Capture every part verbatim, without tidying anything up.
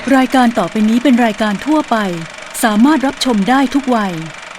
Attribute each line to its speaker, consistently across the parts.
Speaker 1: รายการต่อไปนี้เป็นรายการทั่วไปสามารถรับชมได้ทุกวัย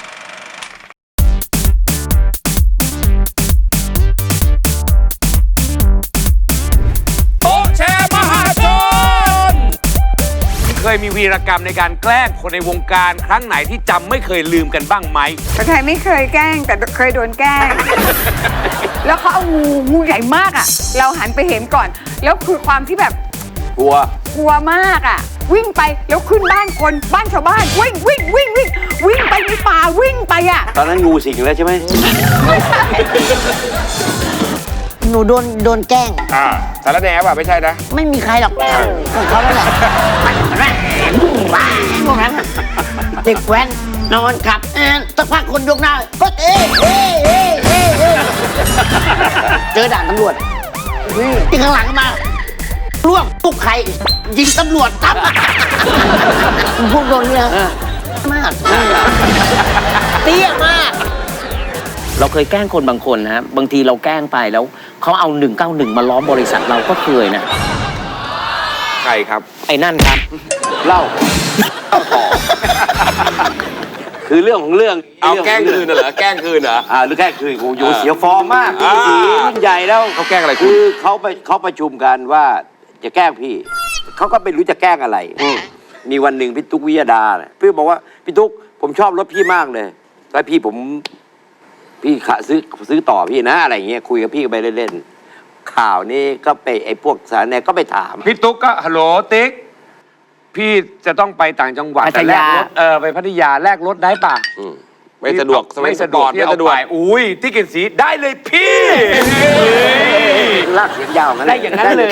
Speaker 2: โต๊ะแชร์มหาชนเคยมีวีรกรรมในการแกล้งคนในวงการครั้งไหนที่จำไม่เคยลืมกันบ้างไหม
Speaker 3: ประไทยไม่เคยแกล้งแต่เคยโดนแกล้ง แล้วเขาเอางูงูใหญ่มากอ่ะเราหันไปเห็นก่อนแล้วคือความที่แบบ
Speaker 2: กลัว
Speaker 3: กลัวมากอ่ะวิ่งไปแล้วขึ้นบ้านคนบ้านชาวบ้านวิ่งวิ่งวิ่งวิ่งวิ่งไปในป่าวิ่งไปอ่ะ
Speaker 4: ตอนนั้นงูสิงแล้วใช่ไหม
Speaker 5: หนูโดนโดนแกล้ง
Speaker 2: อ่าสารแหน่ป่ะไม่ใช่นะ
Speaker 5: ไม่มีใครหรอกของเขาแล้วแหละพวกนั้นเด็กแว้นนอนขับสักพักคนยกหน้าก็เอ๊ะเอ๊ะเอ๊ะเอ๊ะเอ๊ะเจอด่านตำรวจที่ข้างหลังมาล่วงตุกไข่ยิงตำรวจทับพวกโดนเนี่ยมากเตี้ยมาก
Speaker 6: เราเคยแกล้งคนบางคนนะบางทีเราแกล้งไปแล้วเขาเอาหนึ่งเก้าหนึ่งมาล้อมบริษัทเราก็เคยนะ
Speaker 2: ใครครับ
Speaker 6: ไอ้นั่นครับ
Speaker 4: เล่าต่อคือเรื่องของเรื่อง
Speaker 2: เอาแกล้งคืนเหรอแกล้งคืนเหรอ
Speaker 4: อ่าหรือแกล้งคืนกูอยู่เสียฟอร์มมากพี่สียิ่งใหญ่แล้ว
Speaker 2: เขาแกล้งอะไร
Speaker 4: คือเขาไปเขาประชุมกันว่าจะแกล้งพี่เขาก็ไม่รู้จะแกล้งอะไรมีวันหนึ่งพี่ตุ๊กวิยดาพี่บอกว่าพี่ตุ๊กผมชอบรถพี่มากเลยแล้วพี่ผมพี่ขาซื้อซื้อต่อพี่นะอะไรเงี้ยคุยกับพี่ไปเล่นๆข่าวนี้ก็ไปไอ้พวกสารแหน่ก็ไปถาม
Speaker 2: พี่ตุ๊กก็ฮัลโหลติ๊กพี่จะต้องไปต่างจังหวัดแต่แลกรถเออไปพัทยาแลกรถได้ป่ะ
Speaker 4: ไม่สะดวก
Speaker 2: ไม่สะดวกพี่เอาไปอุ้ยที่กินสีได้เลยพี่
Speaker 4: ลากเสียงยาวงั้น
Speaker 2: ได้อย่างนั้นเลย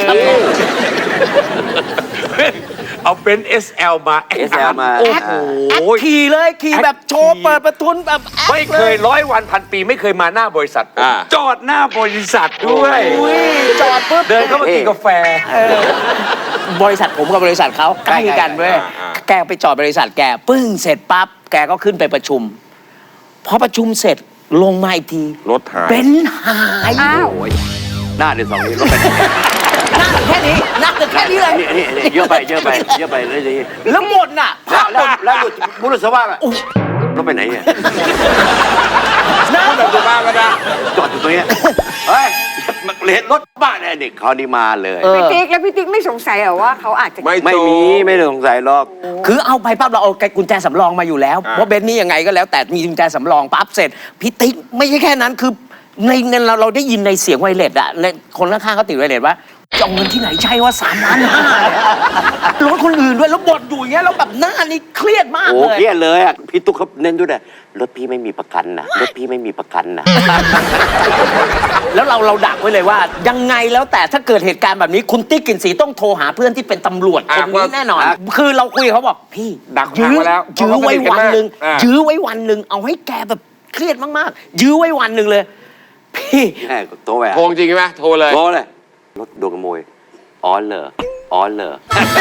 Speaker 2: เอาเป็น เอส แอล มา
Speaker 4: เอส แอล มา
Speaker 6: โอ้โหขี่เลยขี่แบบโชว์เปิดประทุนแบบ
Speaker 2: ไม่เคยร้อยวันพันปีไม่เคยมาหน้าบริษัทจอดหน้าบริษัทด้วย
Speaker 6: จอดปุ๊บ
Speaker 2: เดินเข้ามากินกาแฟ
Speaker 6: บริษัทผมกับบริษัทเขาใกล้กันเว้ยแกไปจอดบริษัทแกปึ้งเสร็จปั๊บแกก็ขึ้นไปประชุมพอประชุมเสร็จลงมาอีกที
Speaker 2: รถหาย
Speaker 6: เป็นหาย
Speaker 3: อ้าว
Speaker 4: หน้าเดือนสองนี้รถไป
Speaker 6: หน้าแค่นี้หน้าแค่นี้เลย
Speaker 4: นี่นี่เยอะไปเยอะไปเยอะไปเลยสิ
Speaker 6: แล้วหมดน่ะ
Speaker 4: แล้วแล้วบุรุษสว่างอ่ะรถไปไหนเนี่ย
Speaker 2: น้าแบบจะบ้าก็ได้
Speaker 4: จอดอยู่ตรงนี้เฮ้ยเห็นรถบ้านเด็กเขานี่มาเลย
Speaker 3: พี่ติ๊กแล้วพี่ติ๊กไม่สงสัยเหรอว่าเขาอาจจะ
Speaker 4: ไม่ไม่มีไม่สงสัยหรอก
Speaker 6: คือเอาไปปั๊บเราเอากุญแจสำรองมาอยู่แล้วเพราะเบนซ์นี่ยังไงก็แล้วแต่มีกุญแจสำรองปั๊บเสร็จพี่ติ๊กไม่ใช่แค่นั้นคือในเงินเราเราได้ยินในเสียงไวเลสอะคนข้างๆเขาติดไวเลสว่าจะเอาเงินที่ไหนใช่ว่าสามล้านห้ารถคนอื่นด้วยแล้วบ่นอยู่อย่างเงี้ยแล้วแบบหน้านี่เครียดมากเลย
Speaker 4: โอ้เครียดเลยอ่ะพี่ตุ๊กเขาเน้นด้วยนะรถพี่ไม่มีประกันนะรถพี่ไม่มีประกันนะ
Speaker 6: แล้วเราเราดักไว้เลยว่ายังไงแล้วแต่ถ้าเกิดเหตุการณ์แบบนี้คุณติ๊กกลิ่นสีต้องโทรหาเพื่อนที่เป็นตำรวจคนนี้แน่นอนคือเราคุยเขาบอกพี่
Speaker 2: ดักยื้อ
Speaker 6: แล้วยื้อไว้วันหนึ่งยื้อไว้วันหนึ่งเอาให้แกแบบเครียดมากๆยื้อไว้วันหนึ่งเลยพี่
Speaker 4: โทรไป
Speaker 2: โทรจริงไหมโทรเลย
Speaker 4: โทรเลยรถโดนขโมยอ๋อเหรออ๋อเหรอ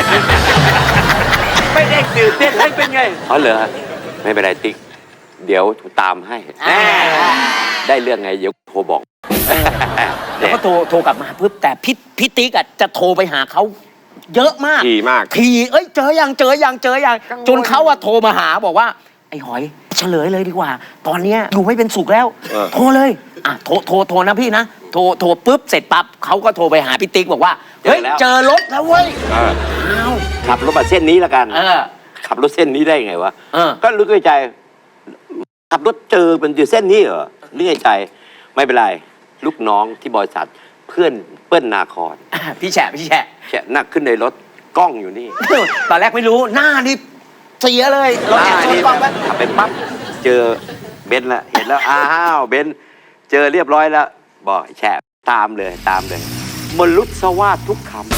Speaker 2: ไม่ได้ตื่นเต้นให้เป็นไง
Speaker 4: อ๋อเหรอไม่เป็นไรติ๊กเดี๋ยวตามให้ได้เรื่องไงเดี๋ยวโทรบอก
Speaker 6: แล้วก็โทรโทรกลับมาปุ๊บแต่พี่พี่ติ๊กอ่ะจะโทรไปหาเขาเยอะมาก
Speaker 2: ทีมาก
Speaker 6: ทีเอ้ยเจอยังเจอยังเจอยังจนเขาอะโทรมาหาบอกว่าไอ้หอยเฉลยเลยดีกว่าตอนเนี้ยอยู่ไม่เป็นสุขแล้วโทรเลยอ่ะโทรโทรโทรนะพี่นะโทรโทรปุ๊บเสร็จปั๊บเขาก็โทรไปหาพี่ติ๊กบอกว่าเฮ้ยเจอรถแล้วเว้ย
Speaker 4: ขับรถมาเส้นนี้ละกันขับรถเส้นนี้ได้ไงวะก็รู้ในใจขับรถเจอเป็นอยู่เส้นนี้เหรอนึกในใจไม่เป็นไรลูกน้องที่บริษัทเพื่อนเปิ้ลนาคร
Speaker 6: พี่แฉะพี่แฉะ
Speaker 4: แฉะนั่งขึ้นในรถกล้องอยู่นี่
Speaker 6: ตอนแรกไม่รู้หน้านี่เสียเลย
Speaker 4: รถแอบชนกล้องไปขับไปปั๊บเจอเบนซ์ละเห็นแล้วอ้าวเบนซ์เจอเรียบร้อยแล้วบอกแฉะตามเลยตามเลยมลุสวาททุกคำ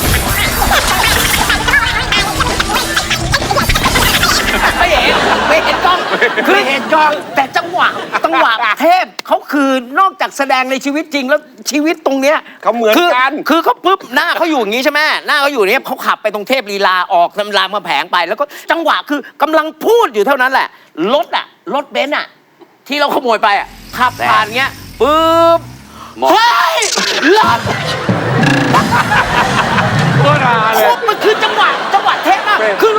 Speaker 6: ไม่เห็นไม่เห็นกล้องคือเห็นกล้องแต่จังหวะจังหวะเทพเขาคือนอกจากแสดงในชีวิตจริงแล้วชีวิตตรงเนี้ย
Speaker 2: เขาเหมือนกัน
Speaker 6: คือเขาปุ๊บหน้าเขาอยู่อย่างนี้ใช่ไหมหน้าเขาอยู่นี้เขาขับไปตรงเทพลีลาออกรามมาแผงไปแล้วก็จังหวะคือกำลังพูดอยู่เท่านั้นแหละรถอะรถเบนซ์อะที่เราขโมยไปอะขับผ่านเงี้ยปุ๊บเฮ้ยรถ
Speaker 2: ก็ราเลย
Speaker 6: มันคือจังหวะจังหวะเทพมากคือ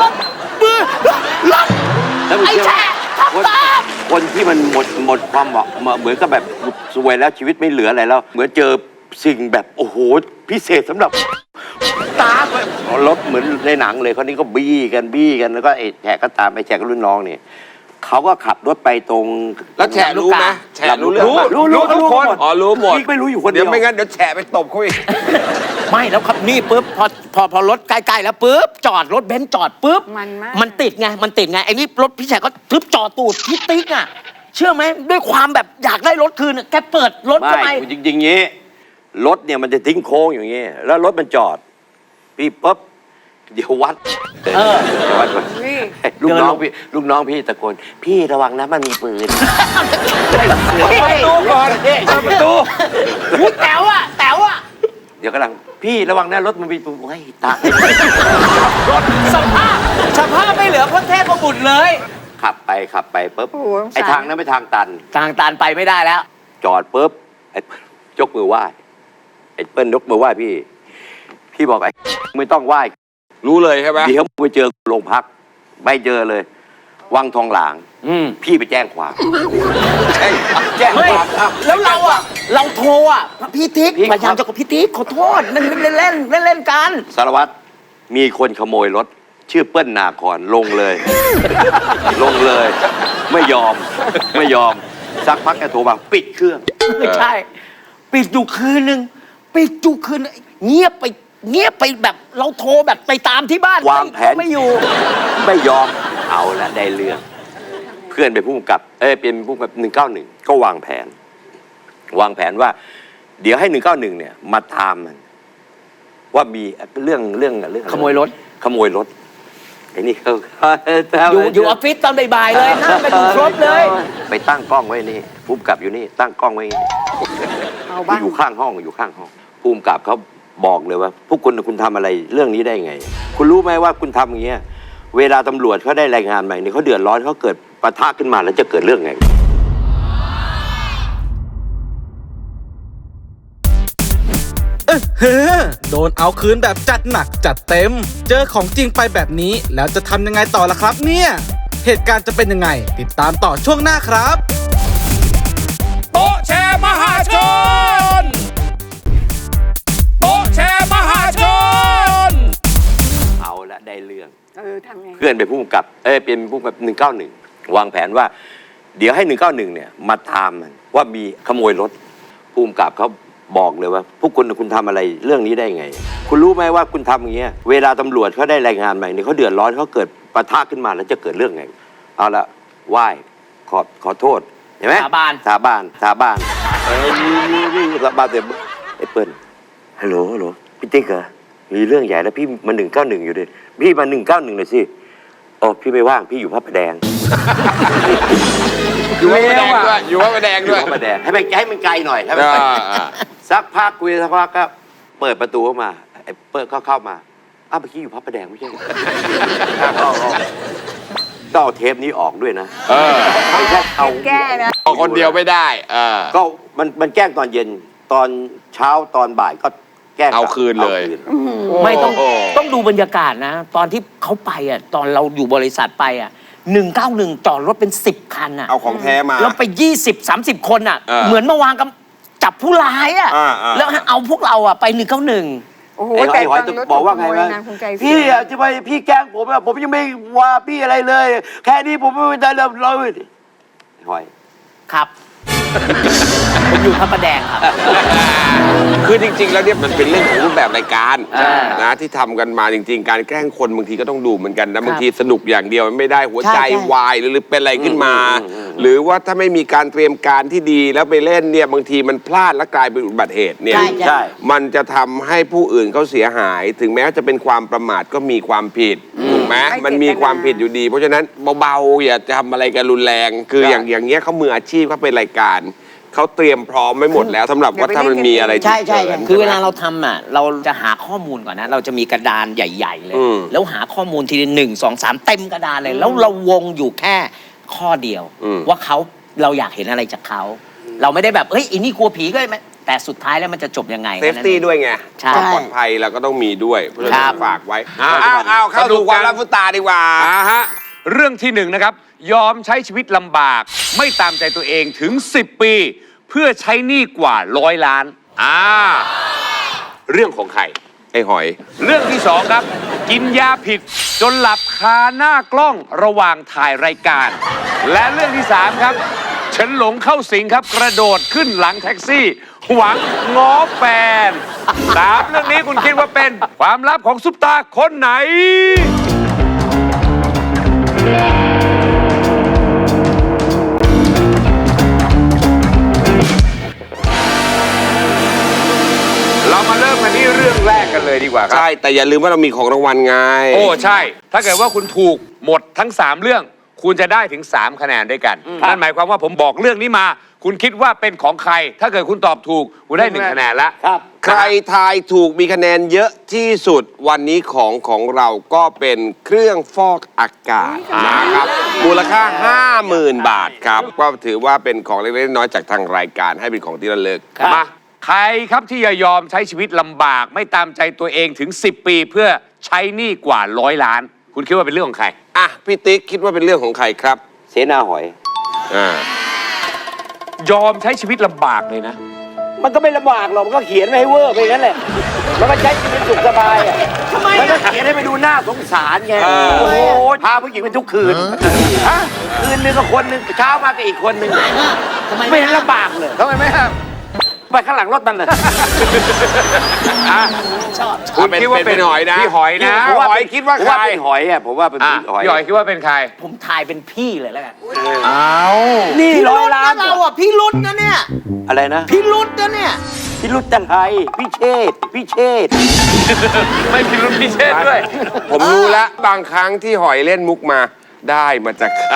Speaker 4: หมดความเหมาะเหมือนกับแบบสวยแล้วชีวิตไม่เหลืออะไรแล้ว เหมือนเจอสิ่งแบบโอ้โหพิเศษสำหรับตาไปรถเหมือนในหนังเลยคนนี้ก็บี้กันบี้กันแล้วก็ไอ้แฉกก็ตามไปแฉกกับรุ่นน้องเนี่ยเขาก็ขับรถไปตรง
Speaker 2: แล้วแฉะรู้ไหมแฉะรู้เรื่อง
Speaker 4: รู้
Speaker 2: ปะ
Speaker 4: รู้รู้
Speaker 2: ทุกคน
Speaker 4: รู้หมด
Speaker 2: อ๋อรู้หมด
Speaker 4: พี่ไม่รู้อยู่คนเดี
Speaker 2: เดี๋
Speaker 4: ย
Speaker 2: ยว วไม่งั้นเดี๋ยวแฉะไปตบเขาอีก
Speaker 6: ไม่แล้วครับนี่ปุ๊บพอพอพอรถใกล้ๆแล้วปุ๊บจอดรถเบนซ์จอดปุ๊บ
Speaker 3: มันมาก
Speaker 6: มันติดไงมันติดไงไอ้นี่รถพี่แฉกก็ทึบจอดตูดพี่ติ๊กอ่ะเชื่อไหมด้วยความแบบอยากได้รถคืนอะแกเปิดรถเข้าไป
Speaker 4: ไม่จริงๆงี้รถเนี่ยมันจะทิ้งโค้งอย่างงี้แล้วรถมันจอดพี่ปุ๊บเดี๋ยววัด
Speaker 6: เออ
Speaker 4: เดี๋ยววัดก่อน
Speaker 3: นี่
Speaker 4: ลูกน้องพี่ลูกน้องพี่ตะโกนพี่ระวังนะมันมีปืน
Speaker 2: ประตูก่อนเปิดประตู
Speaker 6: อุ๊ยแต๋วอ่ะแต๋วอ่ะ
Speaker 4: เดี๋ยวกำลังพี่ระวังนะรถมันมีปืนโอ้ยตาย
Speaker 6: สภาพสภาพไม่เหลือพระเทพบุตรเลย
Speaker 4: ขับไปขับไปปุ๊บ
Speaker 3: โอ้โหสงสาร
Speaker 4: ไอ้ทางนั้นเป็นทางตัน
Speaker 6: ทางตานไปไม่ได้แล้ว
Speaker 4: จอดปุ๊บไอ้ยกมือไหว้ไอ้เปิ้ลยกมือไหว้พี่ พี่บอกไอ้ไม่ต้องไหว้
Speaker 2: รู้เลยใช่ไหม
Speaker 4: เดี๋ยวไปเจอโรงพักไม่เจอเลย วังทองหลาง
Speaker 6: อืม
Speaker 4: พี่ไปแจ้งความ
Speaker 2: ใช่
Speaker 4: แจ้ง
Speaker 6: ไม่
Speaker 4: ความครับ
Speaker 6: แล้วเราอ่ะ เราโทรอ่ะพี่ติ๊ก
Speaker 4: พี่
Speaker 6: พยายามจะกับพี่ติ๊กขอโทษนั่นเล่นเล่นเล่นเล่นกัน
Speaker 4: สารวัตรมีคนขโมยรถ ชื่อเปิ้ลนาคอนลงเลย ลงเลย ไม่ยอมไม่ยอมสักพักแกโทรมาปิดเครื่อง
Speaker 6: ไม่ใช่ ปิดอยู่คืนหนึ่งปิดอยู่คืนนึงเงียบไปเงียบไปแบบเราโทรแบบไปตามที่บ้าน
Speaker 4: วางแผน
Speaker 6: ไม่อยู่
Speaker 4: ไม่ยอมเอาละได้เรื่อง เพื่อนเป็นผู้กำกับ เอ้ยเป็นผู้กำกับหนึ่งเก้าหนึ่งก็วางแผน วางแผนว่า เดี๋ยวให้หนึ่งเก้าหนึ่งเนี่ย มาตามมัน ว่ามีเรื่องเรื่องเรื่องอะไร
Speaker 6: ขโมยรถ
Speaker 4: ขโมยรถไอ้นี่เขา
Speaker 6: อยู่อยู่ออฟฟิศตอนบ่ายๆเลยนั่งกันอยู่ครบเลย
Speaker 4: ไปตั้งกล้องไว้นี่ผู้กำกับอยู่นี่ ตั้งกล้องไว้นี่
Speaker 3: เอาบ้าง
Speaker 4: อยู่ข้างห้องอยู่ข้างห้องผู้กำกับเขาบอกเลยว่า พวกคุณคุณทำอะไรเรื่องนี้ได้ไง คุณรู้ไหมว่าคุณทำอย่างเงี้ย เวลาตำรวจเขาได้รายงานใหม่เนี่ยเขาเดือดร้อนเขาเกิดปะทะขึ้นมาแล้วจะเกิดเรื่องไง
Speaker 7: เออเฮ้อโดนเอาคืนแบบจัดหนักจัดเต็ม เจอของจริงไปแบบนี้แล้วจะทำยังไงต่อล่ะครับเนี่ย เหตุการณ์จะเป็นยังไง ติดตามต่อช่วงหน้าครับ
Speaker 2: โต๊ะแชร์มหาชนโต๊ะแชร์มหาชน
Speaker 4: เอาละได้เรื่อง
Speaker 3: เออทำไง
Speaker 4: เพื่อนเป็นผู้กำกับ เอ้ยเป็นผู้กำกับหนึ่งเก้าหนึ่งวางแผนว่า เดี๋ยวให้หนึ่งเก้าหนึ่งเนี่ยมาตามมันว่ามีขโมยรถผู้กำกับเขาบอกเลยว่า พวกคุณคุณทำอะไรเรื่องนี้ได้ไง คุณรู้ไหมว่าคุณทำอย่างเงี้ย เวลาตำรวจเขาได้รายงานใหม่เนี่ยเขาเดือดร้อนเขาเกิดปะทะขึ้นมาแล้วจะเกิดเรื่องไง เอาละไหว้ขอขอโทษเห็นไหม
Speaker 6: สาบาน
Speaker 4: สาบานสาบานเอ้ยนี่นี่นี่สาบานเสร็จไอ้เปิ้ลฮัลโหลฮัลโหลพี่ติ๊กเหรอมีเรื่องใหญ่แล้วพี่มาหนึ่งเก้าหนึ่งอยู่ดิพี่มาหนึ่งเก้าหนึ่งหน่อยสิโอ้พี่ไม่ว่างพี่อยู่พระประแดง
Speaker 2: อยู่ว่าประแดงด้วยอยู่ว่าประแดง
Speaker 4: อยู่
Speaker 2: ด้วย
Speaker 4: พระประแดงให้มันให้มันไกลหน่อยให้มันไกล
Speaker 2: อ่าอ่า
Speaker 4: สักพักคุยสักพักก็เปิดประตูเข้ามาไอ้เปิดก็เข้ามาอ้าวเมื่อกี้อยู่พระประแดงไม่ใช่เหรอเอาเอาต้องเอาเทปนี้ออกด้วยนะ
Speaker 2: เออ
Speaker 4: ไม่ใช่เอา
Speaker 3: แก้นะ
Speaker 2: เอาคนเดียวไม่ได้เออ
Speaker 4: ก็มันมันแกล้งตอนเย็นตอนเช้าตอนบ่ายก็แกล้ง
Speaker 2: เอาคืนเลย
Speaker 4: อาคืน
Speaker 6: ไม่ต้อง
Speaker 2: โอ้
Speaker 6: ต้องดูบรรยากาศนะ ตอนที่เขาไปอ่ะตอนเราอยู่บริษัทไปอ่ะหนึ่งเก้าหนึ่งจอดรถเป็นสิบคันอ่ะ
Speaker 2: เอาของแท้มา
Speaker 6: แล้วไปยี่สิบสามสิบคนอ่ะ
Speaker 2: เออ
Speaker 6: เหมือนมาวางกับจับผู้ร้ายอ่ะ
Speaker 2: อ่าอ่า
Speaker 6: แล้วเอาพวกเราอ่ะไปหนึ่งเก้าหนึ่ง
Speaker 3: โอ้โห
Speaker 4: ไอ้หอย
Speaker 3: แต่
Speaker 4: ไอ้หอย
Speaker 3: ตอนรถ
Speaker 4: บอกว่าไง
Speaker 3: ขโม
Speaker 4: วะ
Speaker 3: ยนางภูมิใจเสีย
Speaker 4: พี่อะจะไปพี่แกล้งผมอะผมยังไม่ว่าพี่อะไรเลย แค่นี้ผมไม่ได้เลยเลยไอ้หอย
Speaker 6: ครับ ผมอยู่พระประแดงครับ
Speaker 2: คือจริงๆ แล้วเนี่ยมันเป็นเรื่องของรูปแบบรายการ
Speaker 6: อ่าน
Speaker 2: นะที่ทำกันมาจริง ๆ การแกล้งคนบางทีก็ต้องดูเหมือนกัน
Speaker 6: ครั
Speaker 2: นะ
Speaker 6: บ
Speaker 2: บางทีสนุกอย่างเดียวมันไม่ได้หัวใจ
Speaker 6: ใช่ใช่
Speaker 2: วายหรือเป็นอะไรขึ้นมา
Speaker 4: อืมอืมอืม
Speaker 2: หรือว่าถ้าไม่มีการเตรียมการที่ดีแล้วไปเล่นเนี่ยบางทีมันพลาดและกลายเป็นอุบัติเหตุเนี่ย
Speaker 6: ใช่ใช่
Speaker 4: ใช่
Speaker 2: มันจะทำให้ผู้อื่นเขาเสียหาย ถึงแม้จะเป็นความประมาทก็มีความผิดถูกไหม
Speaker 3: ไม่
Speaker 2: มันมี
Speaker 3: เจตนา
Speaker 2: ความผิดอยู่ดี เพราะฉะนั้นเบาๆอย่าทำอะไรกันรุนแรง คืออย่างอย่างเงี้ยเขามืออาชีพเขาเป็นรายการเขาเตรียมพร้อมไม่หมดแล้วสำหรับว่าถ้ามันมีอะไร
Speaker 6: ใช่ใช่
Speaker 2: ฉุกฉิน
Speaker 6: คือเวลา
Speaker 2: ใช่ไหม
Speaker 6: เราทำอ่ะเราจะหาข้อมูลก่อนนะ เราจะมีกระดานใหญ่ ๆ เลย
Speaker 2: อืม
Speaker 6: แล้วหาข้อมูลทีละหนึ่งสองสามเต็มกระดานเลย แล้วเราวงอยู่แค่ข้อเดียว
Speaker 2: อืม
Speaker 6: ว่าเขาเราอยากเห็นอะไรจากเขา เราไม่ได้แบบเฮ้ยอีนี่กลัวผีก็ได้ไหมแต่สุดท้ายแล้วมันจะจบยังไง
Speaker 2: เซฟตี้ด้วยไง
Speaker 6: ใช่
Speaker 2: ความปลอดภัยเราก็ต้องมีด้วย เพราะฉะ
Speaker 6: ครั
Speaker 2: นั้น
Speaker 6: บ
Speaker 2: ฝากไว้อ้าวอ้าวอ้าวเข้าสู่ความรับฟุตตาดีกว่าอ่าฮะเรื่องที่หนึ่งนะครับยอมใช้ชีวิตลำบากไม่ตามใจตัวเองถึงสิบปีเพื่อใช้หนี้กว่าร้อยล้านอ่าเรื่องของใครไอ้หอย เรื่องที่สองครับกินยาผิดจนหลับคาหน้ากล้องระหว่างถ่ายรายการ และเรื่องที่สามครับฉันหลงเข้าสิงครับกระโดดขึ้นหลังแท็กซี่ หวังง้อแฟนสามเรื่องนี้คุณคิดว่าเป็นความลับของซุปตาคนไหน เรามาเริ่มกันที่เรื่องแรกกันเลยดีกว่าครับ
Speaker 8: ใช่ แต่อย่าลืมว่าเรามีของรางวัลไง
Speaker 2: โอ้ใช่ ถ้าเกิดว่าคุณถูกหมดทั้งสามเรื่อง คุณจะได้ถึงสามคะแนนด้วยกันนั่นหมายความว่าผมบอกเรื่องนี้มา คุณคิดว่าเป็นของใคร ถ้าเกิดคุณตอบถูกคุณได้หนึ่งคะแนนแล้ว
Speaker 8: ใครทายถูกมีคะแนนเยอะที่สุดวันนี้ของของเราก็เป็นเครื่องฟอกอากาศนะครับมูลค่า ห้าหมื่น บาทครับก็ถือว่าเป็นของเล็กๆน้อยๆจากทางรายการให้เป็นของที่ระลึก
Speaker 2: มาใครครับที่จะยอมใช้ชีวิตลำบากไม่ตามใจตัวเองถึงสิบปีเพื่อใช้หนี้กว่าร้อยล้าน คุณคิดว่าเป็นเรื่องของใคร
Speaker 8: อ่ะพี่ติ๊กคิดว่าเป็นเรื่องของใครครับ
Speaker 4: เสนาหอย
Speaker 8: อ่าย
Speaker 2: อมใช้ชีวิตลำบากเลยนะ
Speaker 4: มันก็ไม่ลำบากหรอกมันก็เขียนไว้ให้เวอร์ไปงั้นแหละมันก็ใช้ชีวิตสุขสบายอ่ะทำไมมันก็เขียนให้ไปดูหน้าสงสารไงโอ้โหพาผู้หญิงไปทุกคืนฮะคืนนึงก็คนนึงเช้ามาก็อีกคนนึง
Speaker 5: ทำไม
Speaker 4: ไม่เห็นลำบากเลยทำไมไม่ครับไปข้างหลังรถมันเลย
Speaker 5: ชอบ
Speaker 2: คุณคิดว่าเป็นหอยนะพี่หอยนะ
Speaker 8: ผมว่าหอยคิดว่า
Speaker 4: ผม
Speaker 8: ใคร
Speaker 4: ว่าเป็นหอยอ่ะผมว่าเป็น
Speaker 2: อ่ะ
Speaker 4: หอย
Speaker 2: พี่หอยคิดว่าเป็นใคร
Speaker 5: ผมทายเป็นพี่เลยแล้วกัน
Speaker 2: อ้าว
Speaker 4: นี่
Speaker 5: พี่
Speaker 4: ร้
Speaker 5: รุ
Speaker 4: อย
Speaker 5: ด
Speaker 4: ล้า
Speaker 5: นะ
Speaker 4: น
Speaker 5: เราอ่ะพี่รุดนะเนี่ย
Speaker 4: อะไรนะ
Speaker 5: พี่รุดนะเนี่ย
Speaker 4: พี่รุตจันไทยพี่เชษฐ์พี่เชษฐ์
Speaker 2: ไม่มีรุ่นพิเศษด้วย
Speaker 8: ผมรู้แล้วบางครั้งที่หอยเล่นมุกมาได้มาจากใคร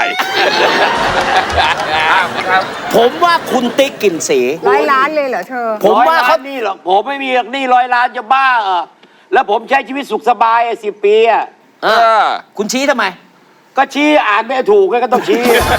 Speaker 6: ผมว่าคุณติ๊กกลิ่นสี
Speaker 3: ร้อยล้านเลยเหรอเธอ
Speaker 6: ผมว่า
Speaker 4: ร้อยล้
Speaker 6: เขา
Speaker 4: นนี่หรอกผมไม่มีหรอกหนี่ร้อยล้านจะบ้าเหรอแล้วผมใช้ชีวิตสุขสบายสิบปีอ่ะ
Speaker 6: เออคุณชี้ทำไม
Speaker 4: ก็ชี้อ่านไม่ถูกก็ต้องชี้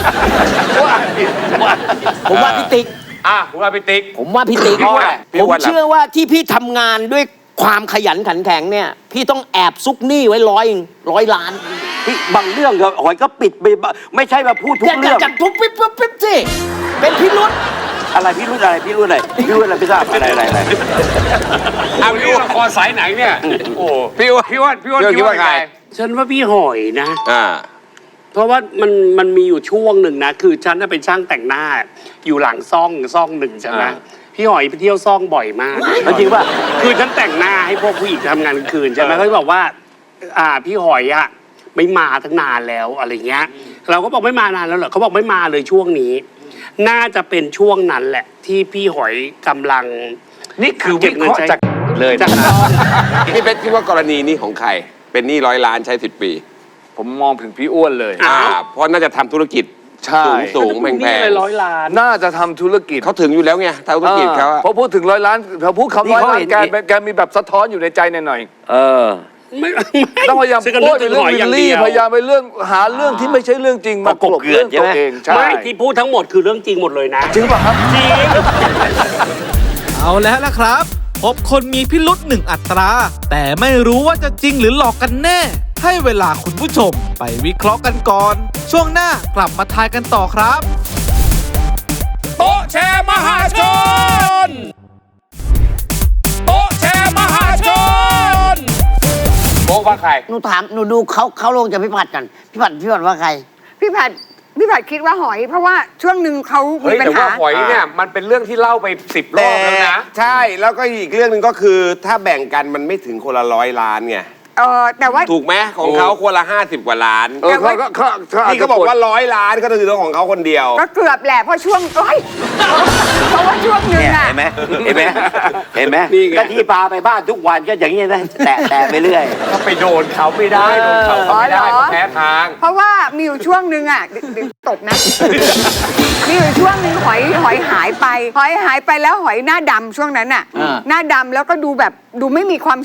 Speaker 6: ผมว่าพี่ติ๊ก
Speaker 2: อ่ะคุณว่าพี่ติ๊ก
Speaker 6: ผมว่าพี่ติ๊ก
Speaker 2: พี่ว่าพี่
Speaker 6: ผม
Speaker 2: ว่าอะไร
Speaker 6: เชื่อว่าที่พี่ทำงานด้วยความขยันขันแข็งเนี่ย พี่ต้องแอบซุกหนี้ไว้ร้อยร้อยล้าน
Speaker 4: พี่บางเรื่องก็หอยก็ปิดไปบ้างไม่ใช่มาพูดทุ
Speaker 6: อก ย่า
Speaker 4: เรื่อง
Speaker 6: จับทุบปิ๊บปิ๊บปิ๊บสิเป็นพี่รุด
Speaker 4: อะไรพี่รู้อะไรพี่รู้อะไรพี่รู้อะไรไม่ทราบอะไรอะไรอะไร
Speaker 2: อ่ะพี่ว่าละครสายไหนเนี่ยโอ้พี่ว่าพี่ว่าพี่ว่า
Speaker 8: พี่ว่าคิดว่าใคร
Speaker 9: ฉันว่าพี่หอยนะ
Speaker 8: อ่า
Speaker 9: เพราะว่ามันมันมีอยู่ช่วงหนึ่งนะ คือฉันน่ะเป็นช่างแต่งหน้า อยู่หลังซ่องซ่องหนึ่งใช่ไหมพี่หอยไปเที่ยวซ่องบ่อยมาก
Speaker 4: จริงป่ะ
Speaker 9: คือฉันแต่งหน้าให้พวกผู้หญิงทำงานกลางคืนใช่ไหมเขาจะบอกว่า อ่าพี่หอยอะไม่มาตั้งนานแล้วอะไรเงี้ย เราก็บอกไม่มานานแล้วเหรอเขาบอกไม่มาเลยช่วงนี้ น่าจะเป็นช่วงนั้นแหละ ที่พี่หอยกำลัง
Speaker 2: นี่คือวิเคราะห์จากเลย
Speaker 9: จาก
Speaker 2: นะ
Speaker 8: พี่เป๊กคิดว่ากรณีนี้ของใคร เป็นหนี้ร้อยล้านใช้สิบปี
Speaker 2: ผมมองถึงพี่อ้วนเลย
Speaker 8: อ่า เพราะน่าจะทำธุรกิจ
Speaker 10: ใช่
Speaker 8: สูงสูงแพงแพ
Speaker 9: นี่
Speaker 8: ง
Speaker 9: เลยร้อยล้าน
Speaker 10: น่าจะทำธุรกิจ
Speaker 8: เขาถึงอยู่แล้วไงทำธุรกิจเขาอะ
Speaker 10: พอพูดถึงร้อยล้านพอพูดคำร้อยล้าน
Speaker 4: นี่
Speaker 10: แก
Speaker 4: เขาเห็น
Speaker 10: แกมีแบบสะท้อนอยู่ในใจหน่อย
Speaker 4: เออ
Speaker 9: ไม่
Speaker 10: ๆต้องพยายาม
Speaker 9: ฉันก็
Speaker 10: พู
Speaker 9: นึ
Speaker 10: ด
Speaker 9: กถึ
Speaker 10: ใน
Speaker 9: ง
Speaker 10: เรื่
Speaker 9: ห
Speaker 10: อง
Speaker 9: อย
Speaker 10: วิ
Speaker 9: อย่า
Speaker 10: ล
Speaker 9: ง
Speaker 10: ลี่
Speaker 9: เดียว
Speaker 10: พยายามไปเรื่องหาเรื่องที่ไม่ใช่เรื่องจริงมาก
Speaker 4: กบเกลื่อนใช่ไหม
Speaker 10: ตัวเองใช่
Speaker 9: ไม่ที่พูดทั้งหมดคือเรื่องจริงหมดเลยนะ
Speaker 10: จริงป่ะครับ
Speaker 9: จริง
Speaker 7: เอาแล้วล่ะครับ พบคนมีพิรุษหนึ่งอัตรา แต่ไม่รู้ว่าจะจริงหรือหลอกกันแน่ ให้เวลาคุณผู้ชมไปวิเคราะห์กันก่อน ช่วงหน้ากลับมาทายกันต่อครับ
Speaker 2: โต๊ะแชร์มหาชนโต๊ะแชร์มหาชนโต๊ะว่าใคร
Speaker 5: หนูถามหนูดูเขาเขาลงจากพี่ผัดกันพี่ผัดพี่ผัดว่าใคร
Speaker 3: พี่ผัดพี่ผัดคิดว่าหอย เพราะว่าช่วงหนึ่งเขามี
Speaker 2: เฮ้ย
Speaker 3: ปัญ
Speaker 2: แต่ว่า
Speaker 3: หา
Speaker 2: หอยเนี่ยมันเป็นเรื่องที่เล่าไปสิบรอบแล้วนะ
Speaker 8: ใช่แล้วก็อีกเรื่องหนึ่งก็คือ ถ้าแบ่งกันมันไม่ถึงคนละร้อยล้านไง
Speaker 3: เออแต่ว่า
Speaker 8: ถูกไหมของเขาคนละห้าสิบกว่าล้าน
Speaker 10: เออเขาก็เขาเขาอาจ
Speaker 8: นี่
Speaker 10: จะ
Speaker 8: เขาบอกว่าร้อยล้านก็คือเรื่องของเขาคนเดียว
Speaker 3: ก็เกือบแหละเพราะช่วงเอ้ยเพราะว่าช่วงหนึ่ง
Speaker 4: เนี่ย
Speaker 3: อะ
Speaker 4: เห็นไหมเห็นไหมเห็นไหม
Speaker 9: นี่ไง
Speaker 4: ก็ที่พาไปบ้านทุกวันก็อย่างนี้นะแตะแตะไปเรื่อย
Speaker 2: ก็ไปโดนเขาไม่ได้โดนเขาเขาไม่ได้เขาแพ้ทาง
Speaker 3: เพราะว่ามีอยู่ช่วงหนึ่งอ่ะเดี๋ยวเดี๋ยวตบนะ มีอยู่ช่วงหนึ่งหอยหอยหายไป หอยหายไปแล้วหอยหน้าดำช่วงนั้นอ่ะ
Speaker 5: อ่า
Speaker 3: หน้าดำแล้วก็ดูแบบดูไม่มีความสุข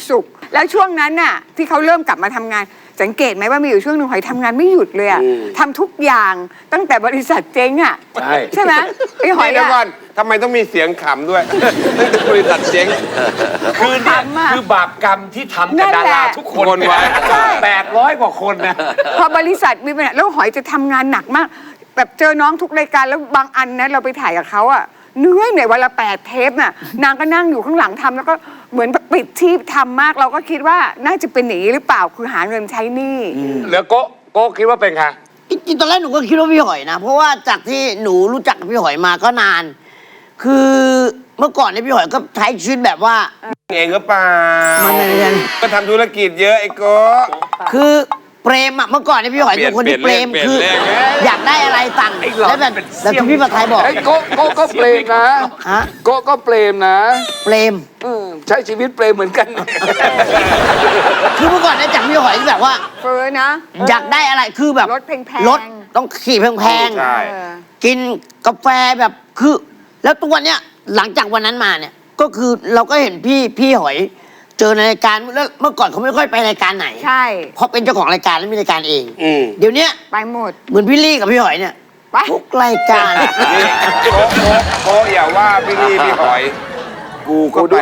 Speaker 3: แล้วช่วงนั้นน่ะที่เขาเริ่มกลับมาทำงาน สังเกตไหมว่ามีอยู่ช่วงหนึ่งหอยทำงานไม่หยุดเลยอะทำทุกอย่างตั้งแต่บริษัทเจ๊งอะ
Speaker 8: ใช่
Speaker 3: ใช่ไหมไอ้หอย
Speaker 8: เดี๋ยวก่อ
Speaker 3: อะ
Speaker 8: นทำไมต้องมีเสียงขำด้วยตั้งแต่บริษัทเจ๊ง
Speaker 2: คือเนี่ย
Speaker 3: ขำอะ
Speaker 2: คือบาปกรรมที่ทำ
Speaker 3: นั่
Speaker 2: กับ
Speaker 3: น
Speaker 2: ดา
Speaker 3: แหละ
Speaker 2: ราทุกคน
Speaker 8: คนไว้
Speaker 3: ใช่
Speaker 2: แปดร้อยกว่าคนนะ
Speaker 3: พอบริษัทมีปัญหาแล้วหอยจะทำงานหนักมาก แบบเจอน้องทุกรายการแล้วบางอันนะเราไปถ่ายกับเขาอะเหนื่อยเหนื่อยวันละแปดเทปน่ะนางก็นั่งอยู่ข้างหลังทำแล้วก็เหมือนปิดที่ทำมากเราก็คิดว่าน่าจะเป็นหนีหรือเปล่าคือหาเงินใช้หนี้
Speaker 2: เหลือโก้โก้คิดว่าเป็นใคร
Speaker 5: จริงๆตอนแรกหนูก็คิดว่าพี่หอยนะ เพราะว่าจากที่หนูรู้จักกับพี่หอยมาก็นาน คือเมื่อก่อนเนี่ยพี่หอยก็ใช้ชีวิตแบบว่า
Speaker 8: เองก็เปล่า
Speaker 5: มันไม่ใช่
Speaker 8: ก็ทำธุรกิจเยอะไอ้โก้
Speaker 5: คือเปรมอะเมื่อก่อนเนี่ยพี่หอยเป็นคนที่
Speaker 8: เป
Speaker 5: เป
Speaker 8: ลี่
Speaker 5: ร
Speaker 8: ยน
Speaker 5: ม
Speaker 8: เปลี่ยน
Speaker 5: คือ
Speaker 8: เปลี่ยนเปลี่ยน
Speaker 5: อยากได้อะไรสั่ง
Speaker 2: ไอ้หลอด
Speaker 5: แล้วแบบ
Speaker 2: เป็น
Speaker 5: แบบที่พี่ประทายบอก
Speaker 10: ไอ้โกโกก็เปรมนะ
Speaker 5: ฮะ
Speaker 10: โกก็เปรมนะ
Speaker 5: เปรม
Speaker 10: อืมใช้ชีวิตเปรมเหมือนกัน
Speaker 5: คือเมื่อก่อนเนี่ยจากพี่หอยที่แบบว่า
Speaker 3: เฟอนะ
Speaker 5: อยากได้อะไรคือแบบ
Speaker 3: รถแพงๆ
Speaker 5: รถต้องขี่แพง
Speaker 8: ใช่
Speaker 3: เออ
Speaker 5: ๆกินกาแฟแบบคือ แล้วตัวเนี้ยหลังจากวันนั้นมาเนี่ย ก็คือเราก็เห็นพี่พี่หอยเจอในรายการแล้วเมื่อก่อนเขาไม่ค่อยไปรายการไหน
Speaker 3: ใช่
Speaker 5: เพราะเป็นเจ้าของรายการแล้วมีรายการเอง
Speaker 9: อืม
Speaker 5: เดี๋ยวเนี้ย
Speaker 3: ไปหมด
Speaker 5: เหมือนพี่ลี่กับพี่หอยเนี่ย
Speaker 3: ไป
Speaker 5: ทุกรายการ
Speaker 8: นี่โก้โก้โก้อย่าว่าพี่ลี่พี่หอย กูก็ด้วย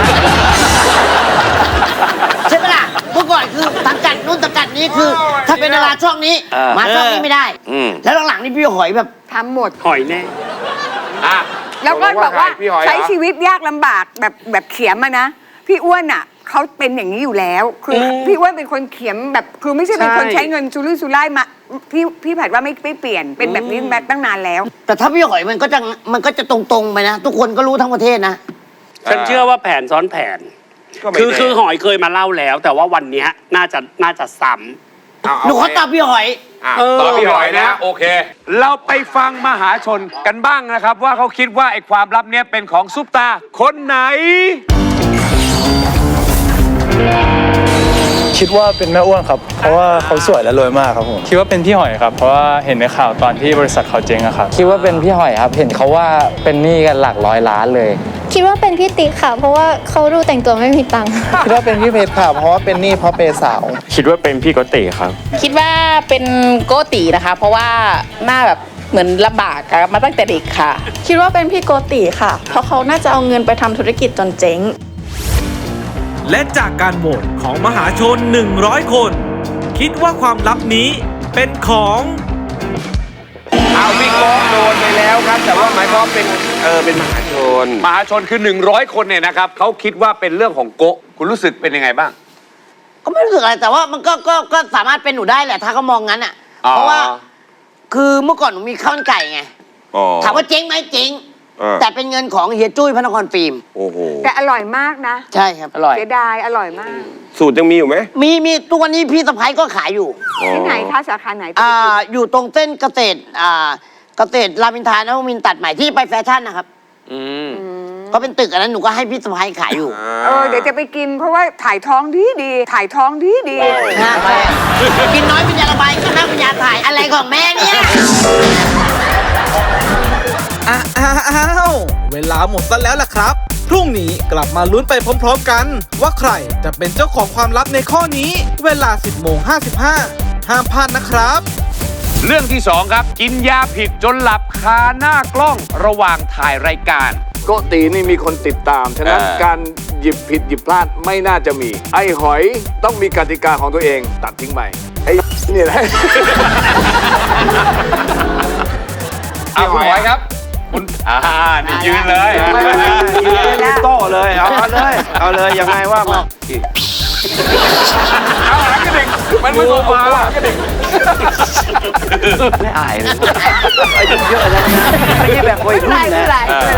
Speaker 5: ใช่ไหมล่ะเมื่อก่อนคือสังกัดนู่นสังกัดนี้คือ ถ้าเป็นดาราช่องนี้ มาช่องนี้ไม่ได้
Speaker 8: อืม
Speaker 5: แล้วหลังๆนี่พี่หอยแบบ
Speaker 3: ทำหมด
Speaker 9: หอยแน่
Speaker 2: อ่ะ
Speaker 3: แล้วก็บอกว่า
Speaker 8: พี่หอยเหรอ
Speaker 3: ใช้ชีวิตยากลำบากแบบแบบเขียมอะนะ พี่อ้วนอะเขาเป็นอย่างนี้อยู่แล้ว คืออพี่อ้วนเป็นคนเขียมแบบคือไม่ใช่เป็นคน
Speaker 9: ใช่
Speaker 3: ใช้เงินซุรุ่ยซุร่ายมาพี่พี่ผัดว่าไม่ไม่เปลี่ยนเป็นแบบนี้มาตั้งนานแล้ว
Speaker 5: แต่ถ้าพี่หอยมันก็จะมันก็จะตรงๆไปนะ ทุกคนก็รู้ทั้งประเทศนะ
Speaker 9: ฉันเชื่อว่าแผนซ้อนแผน
Speaker 8: ก็ไม่
Speaker 9: คือ
Speaker 8: แน่
Speaker 9: คือหอยเคยมาเล่าแล้ว แต่ว่าวันเนี้ยน่าจะน่าจะซ้ำ
Speaker 8: เอา
Speaker 5: หนู
Speaker 8: เอา
Speaker 5: เขาตามพี่หอย
Speaker 8: อ่ะ
Speaker 9: เออ
Speaker 2: ต่อพี่หอยนะ โอเค เราไปฟังมหาชนกันบ้างนะครับ ว่าเขาคิดว่าไอ้ความลับเนี้ยเป็นของซุปตาคนไหน
Speaker 11: คิดว่าเป็นแม่อ้วนครับ เพราะว่าเขาสวยและรวยมากครับผม คิดว่าเป็นพี่หอยครับ เพราะว่าเห็นในข่าวตอนที่บริษัทเขาเจ๊งอะครับ
Speaker 12: คิดว่าเป็นพี่หอยครับ เห็นเขาว่าเป็นหนี้กันหลักร้อยล้านเลย
Speaker 13: คิดว่าเป็นพี่ติ๊กค่ะ เพราะว่าเขาดูแต่งตัวไม่มีตังค์
Speaker 12: คิดว่าเป็นพี่เพชรค่ะ เพราะว่าเป็นหนี้เพราะเปย์สาว
Speaker 11: คิดว่าเป็นพี่โกติครับ
Speaker 14: คิดว่าเป็นโกตินะคะ เพราะว่าหน้าแบบเหมือนลำบากมาตั้งแต่เด็กค่ะ
Speaker 13: คิดว่าเป็นพี่โกติค่ะ เพราะเขาน่าจะเอาเงินไปทำธุรกิจจนเจ๊ง
Speaker 7: และจากการโหวตของมหาชน หนึ่งร้อย คน คิดว่าความลับนี้เป็นของ
Speaker 8: เอาพี่โก้โดนไปแล้วครับ แต่ว่าหมายความว่าเป็นเออเป็นมหาชน
Speaker 2: มหาชนคือ หนึ่งร้อย คนเนี่ยนะครับเขาคิดว่าเป็นเรื่องของโกะคุณรู้สึกเป็นยังไงบ้าง
Speaker 5: ก็ไม่รู้สึกอะไรแต่ว่ามันก็ก็ก็สามารถเป็นหนูได้แหละถ้าเขามองงั้นอ่ะ
Speaker 2: อ๋อ
Speaker 5: เพราะว่าคือเมื่อก่อนหนูมีข้าวมันไก่ไง
Speaker 8: อ๋อ
Speaker 5: ถามว่าเจ๊งไหมเจ๊ง
Speaker 8: เออ
Speaker 5: แต่เป็นเงินของเฮียจุ้ยพระนครฟิล์ม
Speaker 8: โอ้โห
Speaker 3: แต่อร่อยมากนะ
Speaker 5: ใช่ครับอร่อย
Speaker 3: เสียดายอร่อยมาก
Speaker 8: สูตรยังมีอยู่ไหม
Speaker 5: มีมีทุกวันนี้พี่สะพ้ายก็ขายอยู่
Speaker 3: ที่ไหนคะสาขาไหน
Speaker 5: อ่าอยู่ตรงเส้นเกษตรอ่าเกษตรรามอินทรานวมินทร์ตัดใหม่ที่ไปแฟชั่นนะครับ
Speaker 8: อืม
Speaker 5: ก็เป็นตึกอันนั้นหนูก็ให้พี่สะพ้ายขายอยู่
Speaker 3: เออเดี๋ยวจะไปกินเพราะว่าถ่ายท้องดีดีถ่ายท้องดีดี
Speaker 5: นะกินน้อยเป็นยาระบายกินมากเป็นยาถ่ายอะไรของแม่เนี่ย
Speaker 7: อ้าวเวลาหมดซะแล้วล่ะครับ พรุ่งนี้กลับมาลุ้นไปพร้อมๆกัน ว่าใครจะเป็นเจ้าของความลับในข้อนี้ เวลา สิบโมงห้าสิบห้า ห้ามพลาดนะครับ
Speaker 2: เรื่องที่สองครับ กินยาผิดจนหลับคาหน้ากล้องระหว่างถ่ายรายการ
Speaker 10: โกตีนี่มีคนติดตาม ฉะนั้น
Speaker 2: เออ
Speaker 10: การหยิบผิดหยิบพลาดไม่น่าจะมี ไอ้หอยต้องมีกติกาของตัวเองตัดทิ้งไปไอ้นี่แหละ
Speaker 2: เอาคุณหอยครับ คุณอ่านี่ยืนเลย
Speaker 4: โต้เลย เอาเลย เอาเลย ยังไงว่ามา
Speaker 2: เอาหลังกระเด็กมันไม่ตัวมาหลังกระเด็ก
Speaker 4: ไม่อายเลยอายุเยอะแล้วนะ ไม่ใช่แบบวัยรุ่นนะ